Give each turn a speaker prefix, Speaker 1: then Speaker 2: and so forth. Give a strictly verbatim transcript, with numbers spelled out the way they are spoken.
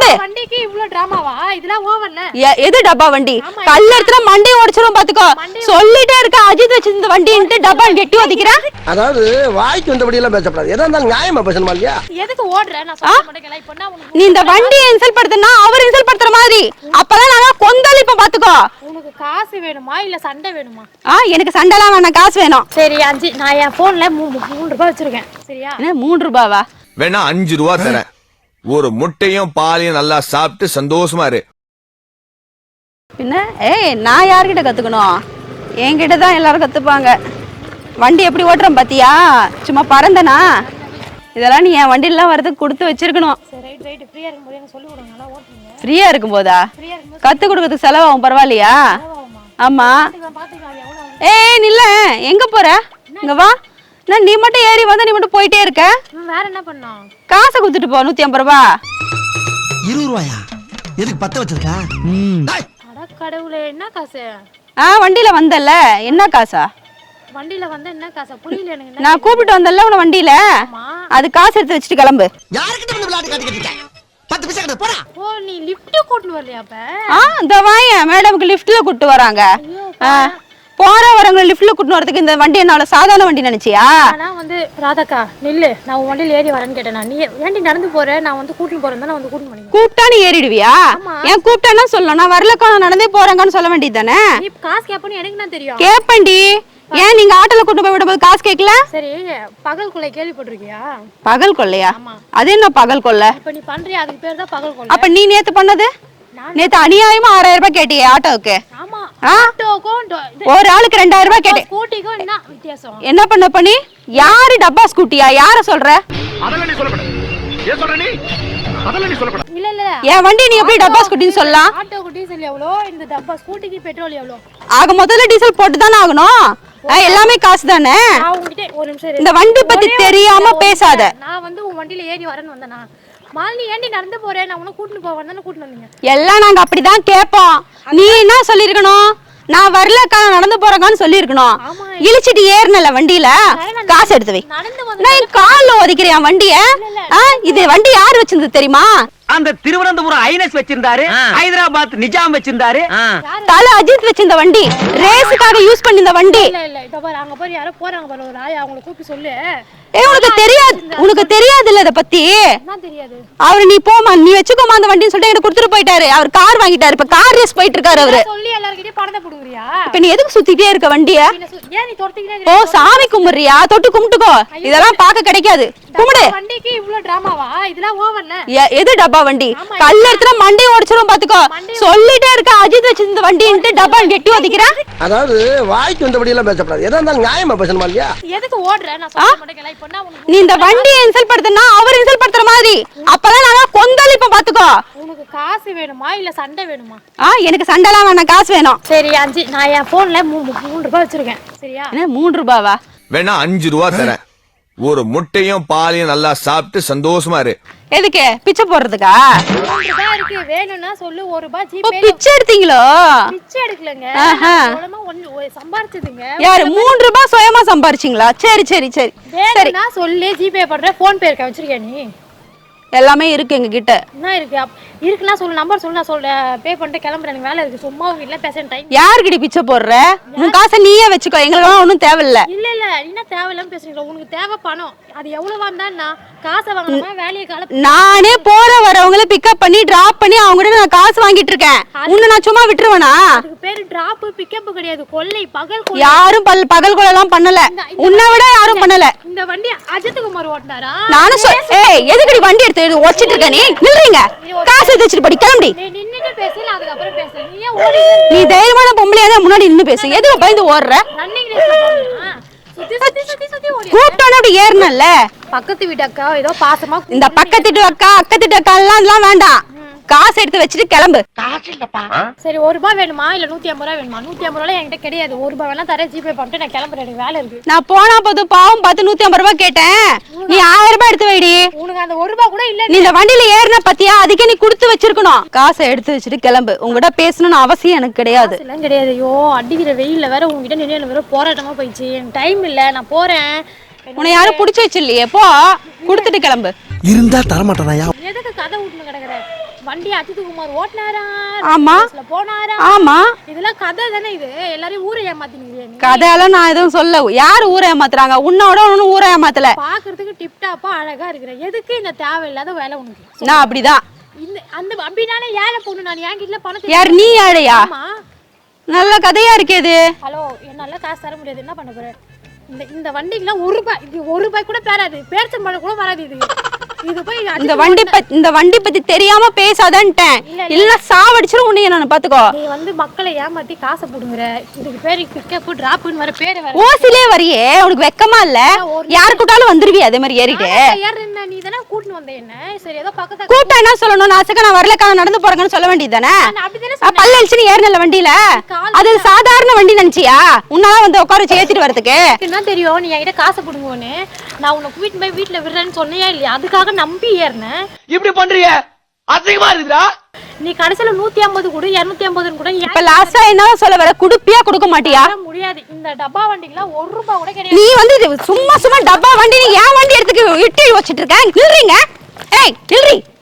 Speaker 1: வண்டிக்கு இவ்ளோ டிராமாவா? இதெல்லாம் ஓவர்ல.
Speaker 2: எது டப்பா வண்டி? கல்ல எடுத்துற மண்டைய உடைச்சிரும் பாத்துக்கோ. சொல்லிட்டே இருக்க அஜித் வச்சிருந்த வண்டின்ட்டு டப்பா கெட்டி ஒதிக்குற.
Speaker 3: அதாவது வாய்க்கு வந்தபடி எல்லாம் பேசப்படாது. எதா இருந்தாலும் நியாயமா பேசணுமா இல்லையா?
Speaker 1: எதுக்கு ஓடுற? நான் சொல்ல மாட்டேங்கல. இப்போ நான்
Speaker 2: நீ இந்த வண்டியை இன்சல்ட் படுத்துனா அவர் இன்சல்ட் பண்ற மாதிரி. அப்பதான் நாங்க கொந்தளிப்ப பாத்துக்கோ.
Speaker 1: உனக்கு காசு வேணுமா இல்ல சண்டை வேணுமா?
Speaker 2: ஆ எனக்கு சண்டைலாம் வேணாம், காசு வேணும்.
Speaker 1: சரி அஞ்சு நான் என் போன்ல மூணு ரூபாய் வச்சிருக்கேன். சரியா?
Speaker 2: என்ன மூணு ரூபாவா?
Speaker 4: வேணா அஞ்சு ரூபா தரேன். ஒரு முட்டையும் பாலையும் நல்லா சாப்பிட்டு சந்தோஷமா இரு.
Speaker 2: பின்ன ஏய் நான் யார்கிட்ட கத்துக்கணும்? என்கிட்ட தான் எல்லாரும் கத்துப்பாங்க. வண்டி எப்படி ஓட்டுறேன் பாத்தியா? சும்மா பறந்தனா? இதெல்லாம் நீ என் வண்டிலாம் வரதுக்கு கொடுத்து வச்சிருக்கணும். ஃப்ரீயா இருக்கும் போதா? கத்து கொடுக்கறதுக்கு செலவாகும், பரவாயில்லையா? ஆமா. ஏய் நில்ல, எங்க போற? இங்க வா. நான் நீ மட்டும் ஏறி வந்தா நீ மட்டும் போயிட்டே இருக்க.
Speaker 1: வேற என்ன பண்ணோம்?
Speaker 2: காசை கொடுத்துட்டு போ. நூத்தி ஐம்பது ரூபா.
Speaker 3: இருபது ரூபாயா? எதுக்கு பத்த வச்சிருக்கா?
Speaker 1: அட கடவுளே, என்ன காசு?
Speaker 2: ஆ வண்டியில வந்தல்ல, என்ன காசா?
Speaker 1: வண்டியில வந்தா என்ன காசா? புரியல எனக்கு.
Speaker 2: நான் கூப்பிட்டு வந்தல்ல உன வண்டியில, அது காசு எடுத்து வச்சுட்டு கிளம்பு.
Speaker 3: யார்கிட்ட வந்து விளையாட்டு காட்டிக்கிட்டு இருக்க? பத்து பைசா கிட்ட போடா.
Speaker 1: ஓ நீ லிஃப்ட் கூட்டி வரலையா அப்ப?
Speaker 2: ஆ இந்த வாயே மேடம்க்கு லிஃப்ட்ல கூட்டி வராங்க. போற வரவங்க லிஃப்ட்ல கூட்டி வரதுக்கு இந்த வண்டி என்ன சாதாரண வண்டி நினைச்சியா?
Speaker 1: நான் வந்து ராதாக்கா நில்லு, நான் உன் வண்டியில ஏறி வரேன்னு கேட்டேன். நீ ஏன்டி நடந்து போற? நான் வந்து கூட்டி போறேன் தான். நான் வந்து கூட்டி பண்ணி
Speaker 2: கூப்பிட்டா நீ ஏறிடுவியா? ஏன் கூப்பிட்டானா சொல்லணும், நான் வரலக்கா நான் நடந்தே போறேங்கன்னு சொல்ல வேண்டியது தானே?
Speaker 1: நீ காசு கேப்பன்னு எனக்கு என்ன தெரியும்?
Speaker 2: கேப்பண்டி. ஏன் நீங்க ஆட்டோல கூட்டி போய் விடும்போது காசு கேட்கல?
Speaker 1: சரி பகல் கொள்ளை கேள்விப்பட்டிருக்கியா?
Speaker 2: பகல் கொள்ளையா? அது என்ன பகல் கொள்ளை?
Speaker 1: இப்ப நீ பண்றியா? அதுக்கு பேர் தான் பகல் கொள்ளை.
Speaker 2: அப்ப நீ நேத்து பண்ணது? நேத்து அநியாயமா ஆறாயிரம் ரூபாய் கேட்டியே ஆட்டோவுக்கு.
Speaker 1: ஆமா, ஆட்டோக்கும்
Speaker 2: ஒரு ஆளுக்கு ரெண்டாயிரம் ரூபாய் கேட்டேன்.
Speaker 1: ஸ்கூட்டிக்கும் என்ன வித்தியாசம்?
Speaker 2: என்ன பண்ண பண்ணி? யாரு டப்பா ஸ்கூட்டியா? யார சொல்ற?
Speaker 5: அதெல்லாம் நீ சொல்லப்பட. ஏன் சொல்ற நீ? அதெல்லாம் நீ சொல்லப்பட.
Speaker 1: இல்ல இல்ல,
Speaker 2: என் வண்டி நீ எப்படி டப்பா ஸ்கூட்டின்னு சொல்லலாம்?
Speaker 1: ஆட்டோக்கு டீசல் எவ்வளோ, இந்த டப்பா ஸ்கூட்டிக்கு பெட்ரோல் எவ்வளோ?
Speaker 2: ஆக முதல்ல டீசல் போட்டு தானே ஆகணும். எல்லாமே காசு தானே.
Speaker 1: நான் உன்கிட்ட ஒரு நிமிஷம்
Speaker 2: இந்த வண்டி பத்தி தெரியாம பேசாத.
Speaker 1: நான் வந்து உன் வண்டியில ஏறி வரேன்னு வந்தேனா? மாலினி ஏண்டி நடந்து போறேன்? நான் உன்னை கூட்டிட்டு போவேன் தானே கூட்டிட்டு வந்தீங்க.
Speaker 2: எல்லாம் நாங்க அப்படிதான் கேட்போம். நீ என்ன சொல்லிருக்கணும்? நான் வரலக்கா நடந்து போறேன்னு சொல்லிருக்கணும். இழிச்சிட்டு ஏறினல வண்டியில, காசு எடுத்து வை. நான் கால்ல ஒதிக்கிறேன் வண்டிய. இது வண்டி யாரு வச்சிருந்தது தெரியுமா?
Speaker 6: அந்த திருவனந்தபுரம் ஐனஸ் வச்சிருந்தாரு, ஹைதராபாத் நிஜாம் வச்சிருந்தாரு,
Speaker 2: தல அஜித் வச்சிருந்த வண்டி, ரேஸுக்காக யூஸ் பண்ணிருந்த வண்டி.
Speaker 1: இல்ல இல்ல இத பாரு, அங்க பாரு யாரோ போறாங்க பாரு, ஒரு ஆயா, அவங்கள கூப்பிட்டு சொல்லு.
Speaker 2: ஏய் உனக்கு தெரியாது, உனக்கு தெரியாது இல்ல இத பத்தி?
Speaker 1: என்ன தெரியாது?
Speaker 2: அவரு நீ போமா, நீ வெச்சுக்கோமா அந்த வண்டின்னு சொல்லிட்டு எனக்கு கொடுத்துட்டு போயிட்டாரு. அவர் கார் வாங்கிட்டாரு, இப்ப கார் ரேஸ் போயிட்டு இருக்காரு அவரு.
Speaker 1: சொல்லி எல்லார்கிட்டயும் பணத்தை புடுங்குறியா?
Speaker 2: இப்ப நீ எதுக்கு சுத்திட்டே இருக்க வண்டிய?
Speaker 1: ஏன் நீ தொட்டிக்கிட்டே
Speaker 2: ஓ சாமி கும்பிடுறியா? தொட்டு கும்பிட்டுக்கோ. இதெல்லாம் பார்க்க கிடைக்காது. கும்பிடு.
Speaker 1: வண்டிக்கு இவ்ளோ டிராமாவா? இதெல்லாம் ஓவர்ல.
Speaker 2: எது டப்பா வண்டி? கல்ல எடுத்துற மண்டைய உடைச்சிரும் பாத்துக்கோ. சொல்லிட்டே இருக்க அஜித் வச்சிருந்த வண்டின்ட்டு டப்பா கெட்டி ஒதிக்குற.
Speaker 3: அதாவது வாய்க்கு வந்தபடி எல்லாம் பேசப்படாது. எதா இருந்தாலும் நியாயமா பேசணுமா இல்லையா?
Speaker 1: எதுக்கு ஓடுற? நான் சொல்ல மாட்டேங்கல. இப்போ நான்
Speaker 2: நீ இந்த வண்டியை இன்சல்ட் படுத்துனா அவர் இன்சல்ட் பண்ற மாதிரி. அப்பதான் நாங்க கொந்தளிப்ப பாத்துக்கோ.
Speaker 1: உனக்கு காசு வேணுமா இல்ல சண்டை வேணுமா?
Speaker 2: ஆ எனக்கு சண்டைலாம் வேணாம், காசு வேணும்.
Speaker 1: சரி அஞ்சு நான் என் போன்ல மூணு ரூபாய் வச்சிருக்கேன். சரியா?
Speaker 2: என்ன மூணு ரூபாவா?
Speaker 4: வேணா அஞ்சு ரூபா தரேன். ஒரு முட்டையும் பாலையும் நல்லா சாப்பிட்டு சந்தோஷமா இரு.
Speaker 2: எதுக்கு? பிச்சை போடுறதுக்கா?
Speaker 1: ரூபாய் இருக்கு, வேணும்னா சொல்லு. ஒரு ரூபாய் ஜிபே.
Speaker 2: பிச்சை எடுத்தீங்களோ?
Speaker 1: பிச்சை எடுக்கலங்க, சுயமா ஒன்னு சம்பாரிச்சதுங்க.
Speaker 2: யாரு மூணு ரூபாய் சுயமா சம்பாரிச்சீங்களா? சரி சரி சரி சரி,
Speaker 1: நான் சொல்லு. ஜிபே பண்ற, போன் பே இருக்க வச்சிருக்கியா நீ?
Speaker 2: எல்லாமே இருக்கு எங்க கிட்ட.
Speaker 1: என்ன இருக்கு? இருக்குன்னா சொல்லு, நம்பர் சொல்லு, நான் சொல்ல பே பண்ணிட்டு கிளம்புறேன். எனக்கு வேலை இருக்கு. சும்மா உங்க இல்ல பேச டைம்.
Speaker 2: யார்கிட்ட பிச்சை போடுற? உன் காசை நீயே வச்சுக்கோ, எங்களுக்கெல்லாம் ஒன்றும் தேவையில்ல.
Speaker 1: இல்ல இல்ல, என்ன தேவையில்லாம பேசுறீங்க? உனக்கு தேவை பணம், அது எவ்வளவு வந்தான்னா காசை வாங்கணுமா? வேலையை கால
Speaker 2: நானே போற வரவங்கள பிக்கப் பண்ணி டிராப் பண்ணி அவங்க கிட்ட நான் காசு வாங்கிட்டு இருக்கேன். உன்னை நான் சும்மா விட்டுருவேனா?
Speaker 1: அதுக்கு பேரு டிராப் பிக்கப் கிடையாது, கொள்ளை. பகல் கொள்ளை.
Speaker 2: யாரும் பல் பகல் கொள்ளை எல்லாம் பண்ணல. உன்னை விட யாரும் பண்ணல.
Speaker 1: இந்த வண்டி அஜித் குமார் ஓட்டினாரா?
Speaker 2: நானும் சொல். ஏய் எதுக்குடி வண்டி எடுத்து ஓடிச்சிட்டு இருக்க நீ? நில்றீங்க. காசு எடுத்து வச்சிட்டு படி கிளம்பி.
Speaker 1: நீ நின்னுட்டு பேசல, அதுக்கு அப்புறம் பேச. நீ ஏன் ஓடி?
Speaker 2: நீ தைரியமான பொம்பளையா தான் முன்னாடி நின்னு பேசு. எதுக்கு பயந்து ஓடுற?
Speaker 1: ரன்னிங் ரேஸ்ல போறியா? சுத்தி சுத்தி சுத்தி சுத்தி ஓடி.
Speaker 2: கூட்டோட அப்படி ஏறனல்ல.
Speaker 1: பக்கத்து வீட்டு அக்கா ஏதோ பாசமா.
Speaker 2: இந்த பக்கத்து வீட்டு அக்கா அக்கத்து வீட்டு அக்கா எல்லாம் எல்லாம் வேண்டாம். காசு எடுத்து வச்சிட்டு கிளம்பு.
Speaker 3: காசு இல்லப்பா.
Speaker 1: சரி ஒரு ரூபாய் வேணுமா இல்ல நூத்தி ஐம்பது ரூபாய் வேணுமா? நூத்தி ஐம்பது ரூபாய் என்கிட்ட கிடையாது. ஒரு ரூபாய் வேணா தரேன், ஜிபே பண்ணிட்டு நான் கிளம்புறேன். எனக்கு வேலை இருக்கு.
Speaker 2: நான் போனா போதும் பாவம் பார்த்து நூத்தி ஐம்பது ரூபாய் கேட்டேன். நீ ஆயிரம் ரூபாய் எடுத்து வைடி.
Speaker 1: உனக்கு அந்த ஒரு ரூபாய் கூட இல்ல.
Speaker 2: நீ இந்த வண்டியில ஏறின பத்தியா? அதுக்கே நீ கொடுத்து வச்சிருக்கணும். காசை எடுத்து வச்சிட்டு கிளம்பு. உங்ககிட்ட பேசணும்னு அவசியம் எனக்கு கிடையாது.
Speaker 1: எல்லாம் கிடையாது. ஐயோ அடிக்கிற வெயில்ல வேற உங்ககிட்ட நின்று வேற போராட்டமா போயிடுச்சு. எனக்கு டைம் இல்ல, நான் போறேன்.
Speaker 2: உன்னை யாரும் புடிச்சு வச்சில்லையே, போ கொடுத்துட்டு கிளம்பு.
Speaker 3: இருந்தா தரமாட்டானா?
Speaker 1: எதுக்கு கதை விட்டுன்னு கிடக்குற? வண்டி அஜித் குமார் ஓட்டினாரா,
Speaker 2: ஆமா
Speaker 1: போனாரா,
Speaker 2: ஆமா
Speaker 1: இதெல்லாம் கதை தானே. இது எல்லாரையும் ஊரை ஏமாத்தினீங்க.
Speaker 2: கதையெல்லாம் நான் எதுவும் சொல்ல. யாரு ஊரை ஏமாத்துறாங்க? உன்னோட ஒன்னும் ஊரை ஏமாத்தல.
Speaker 1: பாக்குறதுக்கு டிப்டாப்பா அழகா இருக்கிற, எதுக்கு இந்த தேவையில்லாத வேலை உனக்கு?
Speaker 2: நான் அப்படிதான்.
Speaker 1: இந்த அந்த அப்படினாலே ஏழை பொண்ணு நான், என் கிட்ட பணத்தை.
Speaker 2: யார் நீ? ஏழையா? நல்ல கதையா இருக்கேது.
Speaker 1: ஹலோ, என்னால காசு தர முடியாது, என்ன பண்ண போற? இந்த இந்த வண்டிக்குலாம் ஒரு ரூபாய், இது ஒரு ரூபாய் கூட பேராது, பேர்ச்சம்பழம் கூட வராது. இது இது போய்
Speaker 2: இந்த வண்டி பத்தி இந்த வண்டி பத்தி தெரியாம பேசாதன்ட்டேன். இல்ல சாவடிச்சிரும் உன்னைய. நான் பாத்துக்கோ.
Speaker 1: நீ வந்து மக்களை ஏமாத்தி காசை புடுங்குற. இதுக்கு பேரு பிக்கப் டிராப்னு வர பேரு வேற.
Speaker 2: ஓசிலே வரியே, உனக்கு வெக்கமா இல்ல? யாரு கூட்டாலும் வந்துருவி அதே மாதிரி ஏறிட்டு.
Speaker 1: ஏறன நீ தான கூட்டிட்டு வந்த என்ன? சரி ஏதோ பக்கத்துல
Speaker 2: கூட்டா என்ன சொல்லணும்? நான் சக்க நான் வரலக்கா நடந்து போறேன்னு சொல்ல வேண்டியதானே?
Speaker 1: அப்படி தான
Speaker 2: பல்ல அழிச்சு நீ ஏறனல வண்டியில. அது சாதாரண வண்டி நினைச்சியா? உன்னால வந்து உட்கார வச்சு ஏத்திட்டு வரதுக்கு
Speaker 1: என்ன தெரியும்? நீ என்கிட்ட காசை புடுங்குவோன்னு நான் உன்னை கூட்டிட்டு போய் வீட்டுல விடுறேன்னு சொன்னியா இல்லையா? அதுக்காக நம்பி ஏறின.
Speaker 6: இப்படி பண்றிய அசிங்கமா இருக்குடா.
Speaker 1: நீ கடைசில நூத்தி ஐம்பது கூட இருநூத்தி ஐம்பது கூட.
Speaker 2: இப்ப லாஸ்டா என்ன சொல்ல வர? குடுப்பியா கொடுக்க மாட்டியா?
Speaker 1: முடியாது. இந்த டப்பா வண்டிக்குலாம் ஒரு ரூபாய் கூட கிடையாது.
Speaker 2: நீ வந்து சும்மா சும்மா டப்பா வண்டி, நீ ஏன் வண்டி எடுத்துக்கு இட்டி வச்சிட்டு இருக்க? நில்றீங்க. ஏய் நில்றி.